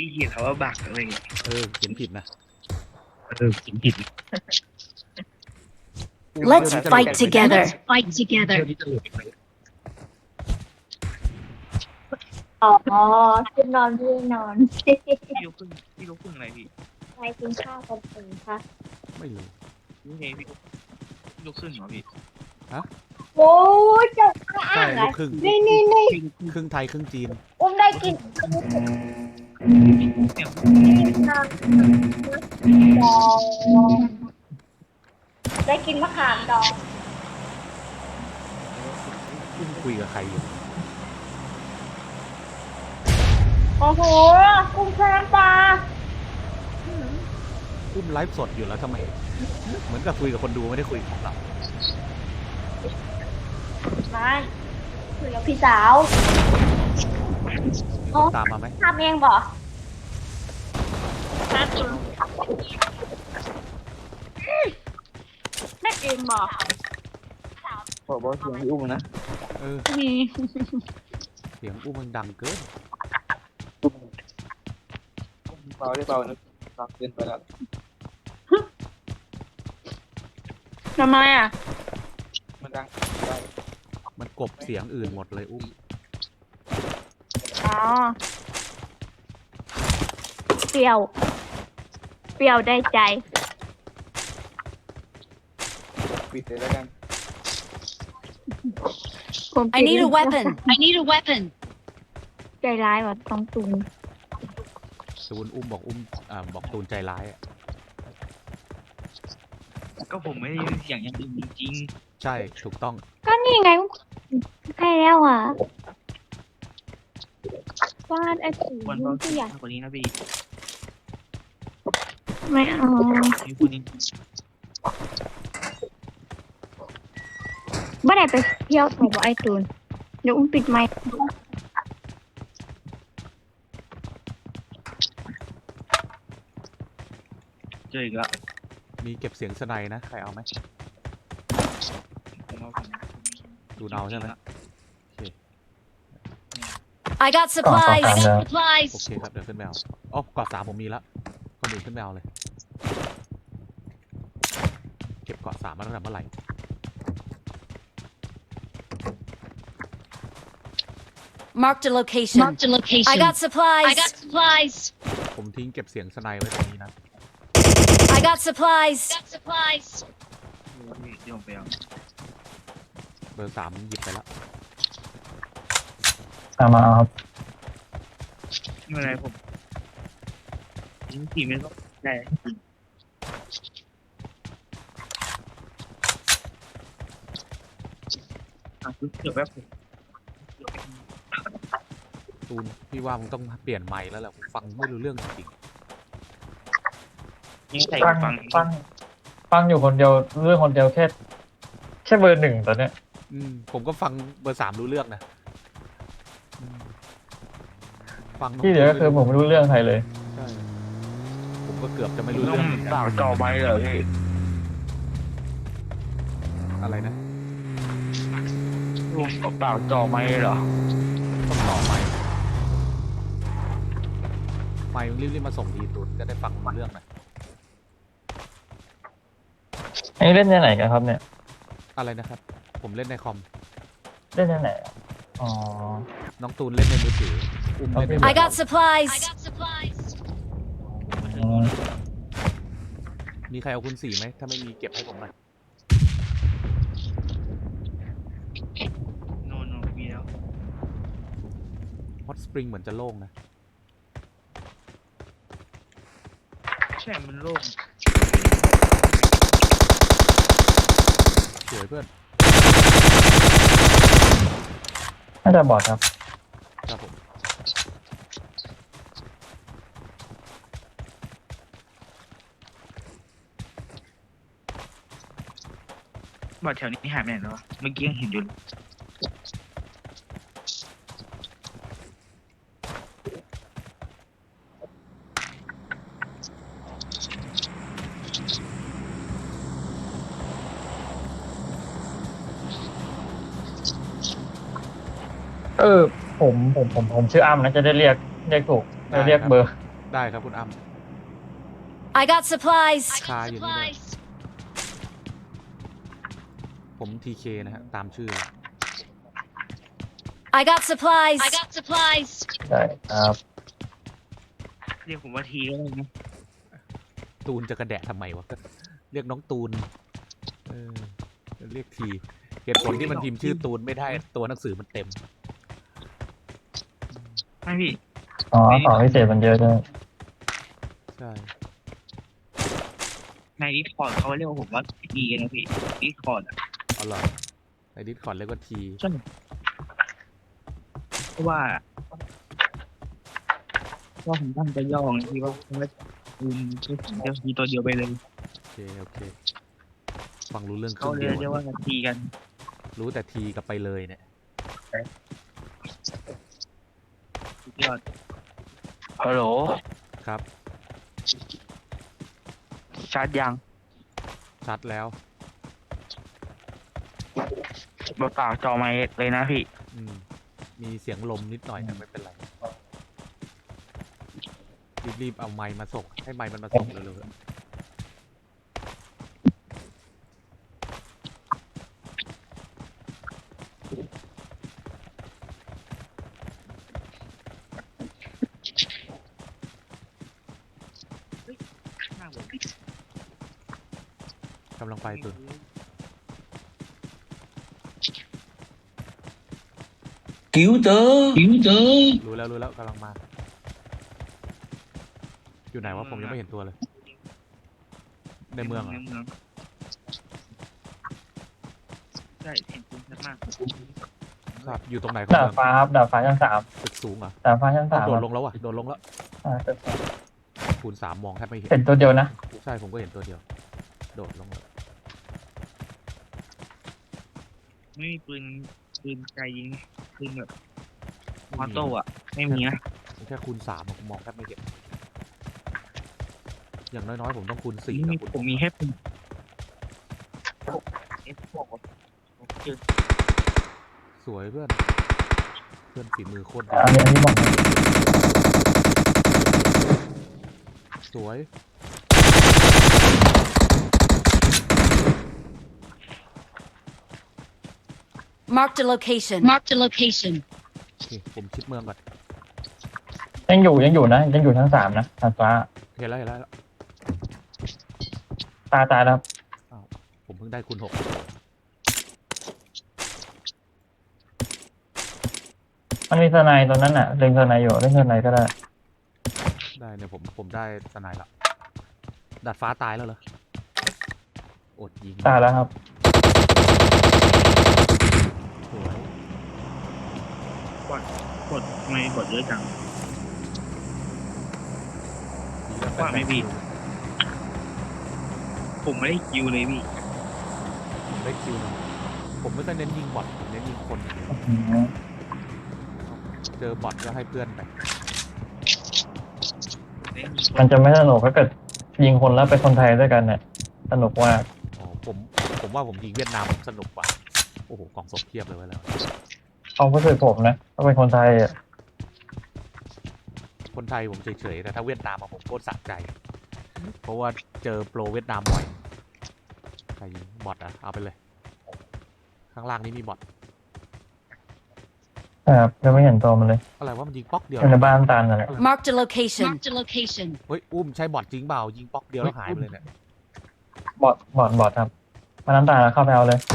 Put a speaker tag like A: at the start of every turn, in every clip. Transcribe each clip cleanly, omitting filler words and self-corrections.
A: พี่เขียนเขาว่าบักอะไรเงี้ย
B: เขียนผิดนะ
A: เขียนผิด
C: Let's fight together.
D: Fight together.
A: เที่ยวนี้จะหลุดไป
E: อ๋อคือนอนพี่นอน
A: พี่ลูกครึ่งอะไรพี่
E: ไปกินข้าวกันถึงค่ะ
B: ไม่รู้
A: นี่ไงพี่ลูกครึ่งเหรอพี่
E: โอ้ยเจ้าข้า
B: ใช่
E: อ่าง
B: ลู
E: อ่ะ
B: กครึ่ง
E: นี่
A: พี่ลูกครึ่ง
B: ครึ่งไทยครึ่งจีน
E: อุ้มได้กิน
A: เนี่ย
E: ข้าวดองได้กินมะขามดอง
B: อุ้มคุยกับใครอยู่
E: โอ้โหกุ้งแช่น้ำปลา
B: อุ้มไลฟ์สดอยู่แล้วทำไมเหมือนกับคุยกับคนดูไม่ได้คุยกับเรา
E: มาคุยกับพี่สาว
B: มีคนตามมาไหม
E: ทำเองบ่แม่เองบ่
A: บอกว่าเสียงพี่อุ้มนะ
E: มี
B: เสียงอุ้มมันดังเกิน
A: เบาได้เบานะเบาเกินไปแล้ว
E: ทำไมอ่ะ
A: มันดัง
B: มันกลบเสียงอื่นหมดเลยอุ้ม
E: อ๋อเปรี้ยวได้ใจ
A: ปิดเลยแล้วกัน
C: I need a weapon.
D: I need a weapon.
E: ใจร้ายว่ะต้องตุง
B: ตูนอุ้มบอกบอกตูนใจร้ายอะ
A: ก็ผมไม่ได้ยินเสียงอย่างอื่นจริง
B: ใช่ถูกต้อง
E: ก็นี่ไงใกล้แล้วอ่ะวาดไอ้สี
A: ๆวันเบา
E: ที่
A: เสี
E: อย ยาง ก
A: มากกว่านี้นะพี่
E: ไม่เอา
A: พี่พูดนี่
E: เมื่อไหร่ไปเที่ยวใส่บ่ไอตูนเดี๋ยวอุ้มปิดไมค์
A: เจออีกแล้ว
B: มีเก็บเสียงสไนนะใครเอาไหม
A: ผมว่าผม
B: ดูเอาใช่ไหม
C: I got supplies.
B: โอ
D: Supplies.
B: เคครับเดี๋ยวขึ้นไปเอาอ๋อกอด3ผมมีแล้วคนอื่นขึ้นไปเอาเลย เก็บเกาะ3มาตั้งแต่เมื่อไหร่
C: Marked a location.
D: Marked a location.
C: I got supplies.
D: I got supplies.
B: ผมทิ้งเก็บเสียงสไนไว้ตรงนี้นะ
C: I got supplies.
D: Got supplies.
A: เดี๋ยวผมไปเอา
B: เบอร์3หยิบไปแล้ว
F: มาเอาครับ
A: ไม่เป็นไรผมยิงขี่ไม่ต้องได้เดี๋ยวแป๊บผม
B: ตูนพี่ว่ามึงต้องเปลี่ยนไมค์แล้วแหละผมฟังไม่รู้เรื่องจริง
A: นี่ใส่
F: ฟัง
A: ฟัง
F: ฟังอยู่คนเดียวเรื่องคนเดียวแค่เบอร์หนึ่งตอนเนี้ย
B: ผมก็ฟังเบอร์3รู้เรื่องนะฟังน้ง
F: ที่เหลือก็คือผมไม่รู้เรื่องใครเลย
B: ใช่ผมก็เกือบจะไม่รู้
A: ต้อ
B: เรื่อง งเหมือนกัน
A: ปากจ่อไม้เหรอพี่
B: อะไรนะ
A: ลุงปากจ่อไม้เหรอ
B: ต้องต่อไมค์ไมค์มึงรีบๆมาส่งทีตูนจะได้ฟังรู้เรื่องนะ
F: อันนี้เล่นที่ไหนกันครับเนี่ย
B: อะไรนะครับ ผมเล่นในคอม
F: เล่นที่ไหนอะอ๋อ
B: น้องตูนเล่นในมือถืออุ้มเล่นใน
C: I got supplies.
D: I got supplies.
F: อืม
B: มีใครเอาคุณ4ไหมถ้าไม่มีเก็บให้ผมหน่อย
A: โนมีแล้ว
B: ฮอตสปริงเหมือนจะโล่งนะ
A: ใช่มันโล่ง
B: สวยเพื่อน
F: น่าจะบอดครับ
B: ครับผม
A: บอดแถวนี้หายไปไหนแล้ววะเมื่อกี้ยังเห็นอยู่เลย
F: ผมชื่ออ้ำนะจะได้เรียกถูกจะเรียกเบอร์
B: ได้ครับคุณอ้ำ
C: I got supplies.
D: I got
B: you need
D: supplies.
B: ผมTKนะฮะตามชื่อ
C: I got supplies.
D: I got supplies.
F: ได้ครับ
A: เรียกผมว่าทีก็ได้นะ
B: ตูนจะกระแดะทำไมวะเรียกน้องตูนเรียกทีเหตุผลที่มันพิมพ์ชื่อตูนไม่ได้ตัวหนังสือมันเต็ม
A: ไม่พี่
F: อ๋อของพิเศษมันเยอะด้วย
B: ใช่
A: ในดิสคอร์ดเขาเรียกว่าผมว่าทีนะพี่ดิสคอร์ดอ่ะ
B: เอาเหรอในดิสคอร์ดเรียกว่าที
A: ใช่เพราะว่าผมตั้งใจย่อไงพี่ว่าผมว่าคุณใช้ผมจะทีตัวเดียวไปเลย
B: โอเคฟังรู้เรื่องค
A: เขา
B: รึ่ง
A: เรี
B: เดี
A: ย
B: ยว
A: กว่าทีกัน
B: รู้แต่ทีกับไปเลยเนี่ย
A: สุดยอดฮัลโหล
B: ครับ
A: ชาร์จยัง
B: ชัดแล้ว
A: เปล่าจอไมค์เลยนะพี่
B: มีเสียงลมนิดหน่อยแต่ไม่เป็นไรรีบเอาไมค์มาส่งให้ไมค์มันมาส่งเร็วๆ
A: หน้าผม
B: กำลังไปตัว
A: กิ้วเจอ
B: รู้แล้วกำลังมา อยู่ไหนวะผมยังไม่เห็นตัวเลย ในเมืองเหร
A: ใน
B: อ
A: เมืองใช่เห็นคุณชัดมาก
B: ครับอยู่ตรงไหนของ
F: ดาด
B: เมือง
F: ฟ้าครับดาดฟ้าชั้น3
B: ตึกสูงเหรอ
F: ดาดฟ้าชั้น
B: อ้าว
F: 3
B: โดดลงแล้วอ่ะโดดลงแล้ว
F: ตึก
B: คูณ 3มองแทบไม่เห็น
F: เห็นตัวเดียวนะ
B: ใช่ผมก็เห็นตัวเดียว โดดลงแล้ว
A: ไม่มีปืนไกลยิงปืนแบบออโต้อะไม่มีนะ
B: แค่คูณ3ผมมองแทบไม่เห็น อย่างน้อยๆผมต้องคูณ4
A: นี่
B: นะคุณ
A: ผมมีแค่ปืนเอฟพวกเจอ
B: สวยเพื่อนฝีมือโคตรดี
F: อันนี้บอก
B: สวย
C: Marked a location.
D: Marked a location.
B: โอเคผมชิดเมืองก่อน
F: ยังอยู่นะยังอยู่ชั้น3นะดาดฟ้า
B: เห็นแล้ว
F: ตายแล้วครับ
B: ผมเพิ่งได้คูณ6
F: มันมีสไนด์ตรงนั้นน่ะเล็งสไนด์อยู่เล่นสไนด์ก็ได้
B: ได้เนี่ยผมได้สไนด์ละดาดฟ้าตายแล้วเหรออดยิง
F: ตายแล้วครับ
B: สวย
A: กดทำไมกดเยอะจัง
B: ยิงแล้ว
A: ว่าไม่ผิด ผมไม่ได้คิวเลยพี่
B: ผมได้คิวหนึ่งผมไม่ได้เน้นยิงบอทผมเน้นยิงคนอย่างเดียวเจอบอทก็ให้เพื่อนไป
F: มันจะไม่สนุกถ้าเกิดยิงคนแล้วเป็นคนไทยด้วยกันเนี่ยสนุกมาก
B: อ๋อผมว่าผมยิงเวียดนามสนุกกว่าโอ้โหกล่องศพเพียบเลยไว้แล้ว
F: เอาผู้สื่อผมนะถ้าเป็นคนไทยอ่ะ
B: คนไทยผมเฉยๆแต่ถ้าเวียดนามอะผมโคตรสะใจ เพราะว่าเจอโปรเวียดนามบ่อยใครยิงบอทอ่ะเอาไปเลย ข้างล่างนี้มีบอท
F: ครับยังไม่เห็นตัวมันเลย
B: อะไรว่ามันยิงป๊อกเดียว
F: อยู่ในบ้านตาลนั่นแหละ
C: Marked a location.
D: Marked a location.
B: เฮ้ยอุ้มใช้บอทจริงเปล่ายิงป๊อกเดียวแล้วหายไปเลยเนี่ย
F: บอดครับมาน้ำตาลเข้าไปเอาเลย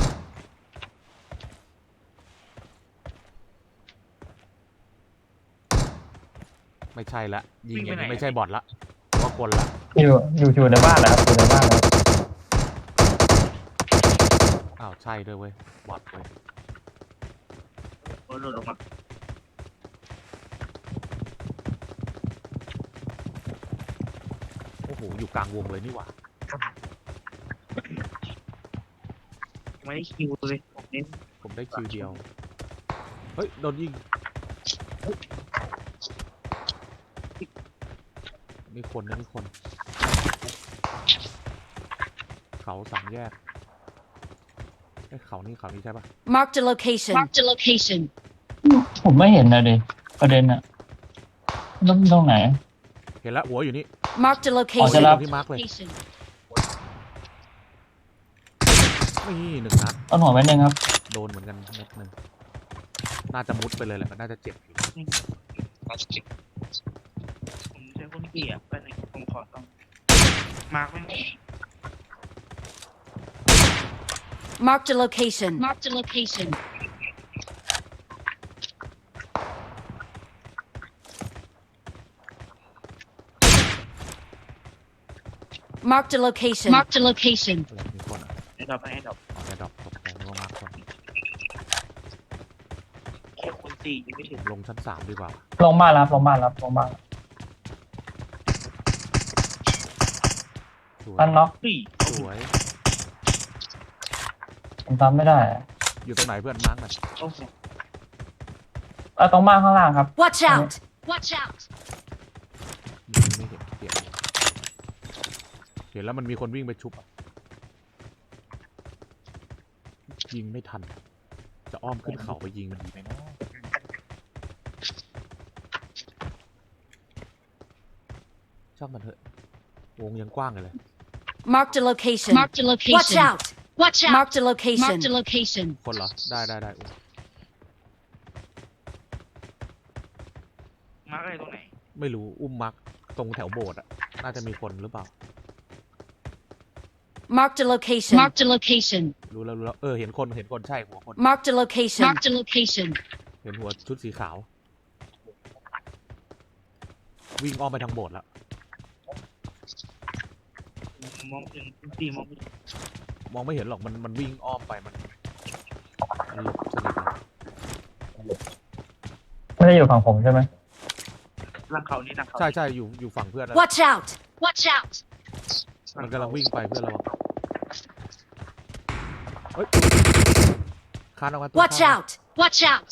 B: ไม่ใช่ละยิงอย่างนี้ไม่ใช่บอทละเพราะคนละ
F: อยู่ในบ้านนะครับอยู่ในบ้านนะ
B: อ้าวใช่ด้วยเว้ยบอทเว้ย
A: โดดออกมา
B: โอ้โหอยู่กลางวงเลยนี่หว่า
A: ไม่ได้คิวเลยผมเน้น
B: ผมได้คิวเดียวเฮ้ยโดนยิงมีคนนะมีคน เขาสามแยกไอ้เขานี่ใช่ปะ
C: Marked a location.
D: Marked a location.
F: ผมไม่เห็นนะดิประเด็นอะตรงไหน
B: เห็นเห็นแล้วหัวอยู่นี่
C: Marked a
F: อ๋อ
C: location.
F: จะรับ
B: ที่มาร์กเลย
D: Location.
B: นี่1 นัด
F: ต้นหัวเม็ดหนึ่งครับ
B: โดนเหมือนกันเม็ดหนึ่งน่าจะมุดไปเลยแหละมันน่าจะเจ็บอยู่
A: ผมใช้คนเกลียดไปเลยผมขอต้องมาร์กไม่
C: Marked a location.
D: Marked a location.
C: Marked a location.
D: Marked a location.
B: อะไรมีคนอ่ะ
A: ให้ดอกให้ดอก
B: เอาแค่ดรอปตกใจนึกว่ามาร์กคน
A: แค่คนตียังไม่ถึง
B: ลงชั้น3ดีกว่า
F: ลงบ้านแล้วครับลงบ้านแล้วลงบ้านแล้ว
B: สวย
F: ตั้นเนาะ
A: ตี
B: สวย
F: ผมทำไม่ได้อะ
B: อยู่ตรงไหนเพื่อนมาร์กหน่อย
A: โอ้โห
F: ตรงบ้านข้างล่างครับ
C: Watch out!
D: Watch out.
B: ไม่เห็นเปลี่ยนเห็นแล้วมันมีคนวิ่งไปชุบอะยิงไม่ทัน จะอ้อมขึ้นเขาไปยิงมันดีไหมเนาะช่างมันเถอะวงยังกว้างเลย
C: Marked a location.
D: Marked a
C: Watch
D: location.
C: out!
D: Watch out.
C: Marked a location.
D: Marked a location.
B: คนเหรอ ได้
A: มาร์กอะไรตรงไหน
B: ไม่รู้อุ้มมักตรงแถวโบสถ์อะน่าจะมีคนหรือเปล่า
C: Marked a location.
D: Marked a location.
B: รู้แล้วเห็นคนใช่หัวคน
C: Marked a location.
D: Marked a location.
B: เห็นหัวชุดสีขาว วิ่งอ้อมไปทางโบสถ์แล้ว
A: มองถึงตีมองไม่ถึง
B: มองไม่เห็นหรอกมันวิ่งอ้อมไปมันหลบสนิทเลย
F: ไม่ได้อยู่ฝั่งผมใช่ไหม
A: หลังเขานี่หลังเขา
B: ใช่อยู่ฝั่งเพื่อนนะ
C: Watch out!
D: Watch out.
B: มันกำลังวิ่งไปเพื่อนเราเฮ้ยคานออกมาตัว
C: Watch
B: ข้าง
C: out!
D: Watch out.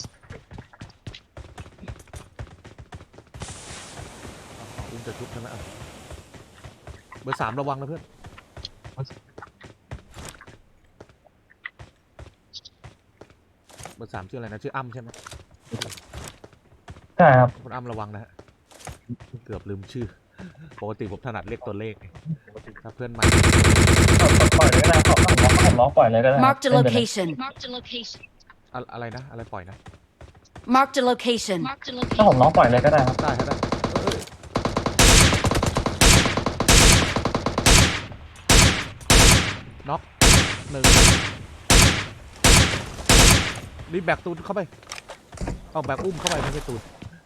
B: อุ้มจะชุบใช่ไหมเบอร์ 3ระวังนะเพื่อนเบอร์ 3ชื่ออะไรนะชื่ออ้ำใช่ไหม
F: ใช่ครับ
B: คุณอ้ำระวังนะฮะเกือบลืมชื่อปกติผมถนัดเรียกตัวเลขไงถ้าเพื่อนใหม่
F: ปล่อยเลยก็ได้ผมล็อกปล่อยเลยก็ได้
C: Marked a
F: เล่นไปเลย
C: location.
D: Marked a location.
B: อะไรนะอะไรปล่อยนะ
C: Marked a location.
D: Marked a
F: ถ้าผม
D: location.
F: ล็อกปล่อยเลยก็ได้ครับ
B: ได้ครับได้น็อก1รีบแบกตูนเข้าไปเอาแบกอุ้มเข้าไปไม่ใช่ตูน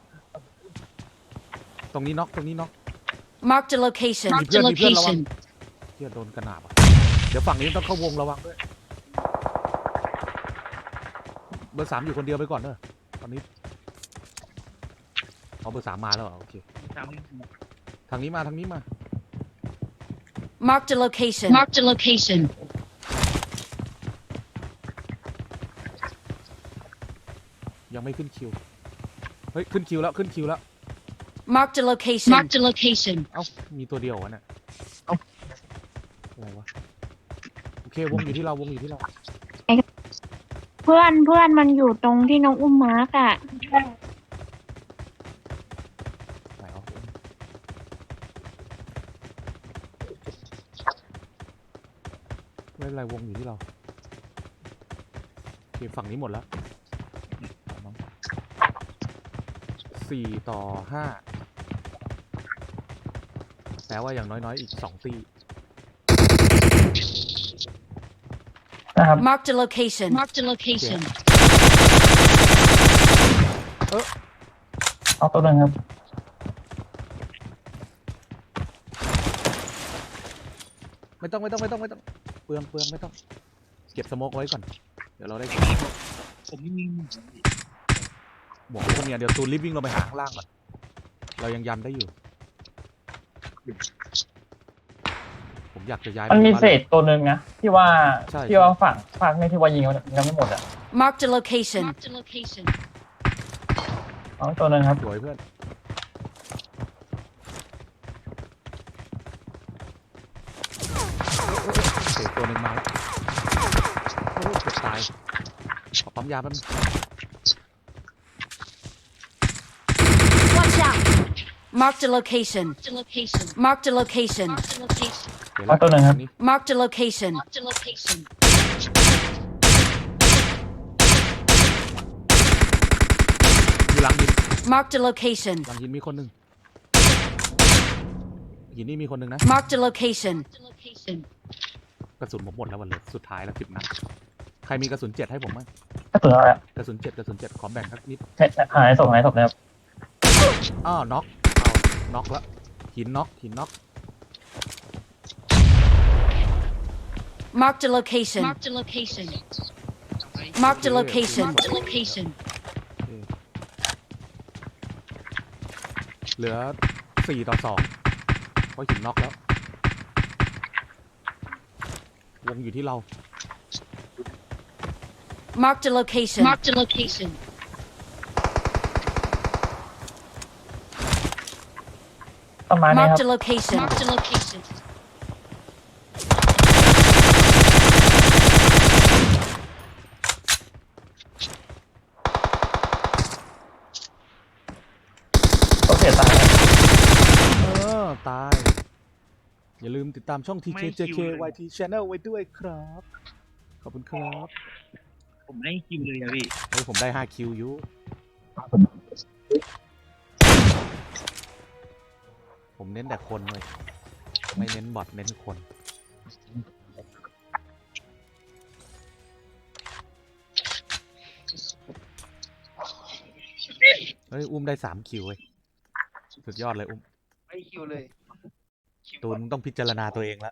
B: ตรงนี้น็อก
C: Marked a location.
D: Marked a
B: Điพื่อนระวัง
D: location.
B: เที่ยโดนกระหน่ำอ่ะเดี๋ยวฝั่งนี้ต้องเข้าวงระวังด้วยเบอร์ 3อยู่คนเดียวไปก่อนเนอะตอนนี้เอาเบอร์ 3มาแล้วเหรอโอเค
A: ตาม
B: ทางนี้มา
C: Marked a location.
D: Marked a location.
B: ยังไม่ขึ้นคิวเฮ้ยขึ้นคิวแล้ว
C: Marked a location.
D: Marked a location.
B: เอ้ามีตัวเดียววะเนี่ยเอ้าอะไรวะโอเควงอยู่ที่เรา
E: เพื่อนมันอยู่ตรงที่น้องอุ้มมาร์กอ่ะ
B: ไหนวะไม่เป็นไรวงอยู่ที่เราโอเคฝั่งนี้หมดแล้ว4 ต่อ 5แปลว่าอย่างน้อยๆอีก2 ตี
F: นะครับ
C: Marked a location.
D: Marked a location.
F: เอาตัวหนึ่งครับ
B: ไม่ต้องเปลืองไม่ต้องเก็บสโมกไว้ก่อนเดี๋ยวเราได้
A: ผมไม่มี
B: หมวกคนเนี้ยเดี๋ยวตูนรีบวิ่งลงไปหาข้างล่างก่อนเรายังยันได้อยู่ผมอยากจะย้าย
F: มันมี
B: ไปบ้า
F: เศษตัวหนึ่งนะที่ว่า
B: ใช่
F: ฝั่งนี่ที่ว่ายิงยังไม่หมดอ่ะ
C: Marked a location.
D: Marked a location.
F: เอาตัวหนึ่งครับ
B: สวยเพื่อนเศษตัวหนึ่งมาแล้วโอ้เกือบตายขอปั๊มยาแป๊บนึง
C: Watch out! Marked a location.
D: Marked a location.
C: Marked a location.
D: Marked a location.
B: เดี๋ยว
F: เอาตัวหนึ่งครับ
B: นี้
C: Marked a location.
D: Marked a location.
B: อยู่หลังหิน
C: Marked a location.
B: หลังหินมีคนหนึ่งหินนี่มีคนหนึ่งนะ
C: Marked a location.
D: Marked a location.
B: กระสุนผมหมดแล้ววันเลยสุดท้ายแล้ว10 นัดใครมีกระสุน7ให้ผมไหม
F: กระสุนอะไร
B: กระสุน7ขอแบ่งสักนิด
F: หายศพแล้ว
B: อ้าวน็อกน็อกแล้วหินน็อก
C: Marked a location.
D: Marked a location.
C: Marked a location.
D: Marked a location.
B: เหลือ4-2เพราะหินน็อกแล้ววงอยู่ที่เรา
C: Marked a location.
D: Marked a location.
F: ต้นไม้นี่ครั
C: Marked
F: บ
C: a location.
D: Marked a location.
F: โอเคตายแล้ว
B: ตาย อย่าลืมติดตามช่อง TKJKYT Channel ไว้ด้วยครับ ขอบคุณครับ
A: ผมไม่คิวเลยอะพี่
B: เฮ้ยผมได้5คิวอยู่ผมเน้นแต่คนเลยไม่เน้นบอทเน้นคนเฮ้ยอุ้มได้3คิวเว้ยสุดยอดเลยอุ้ม
A: ไม่คิวเลย
B: ตูนต้องพิจารณาตัวเองละ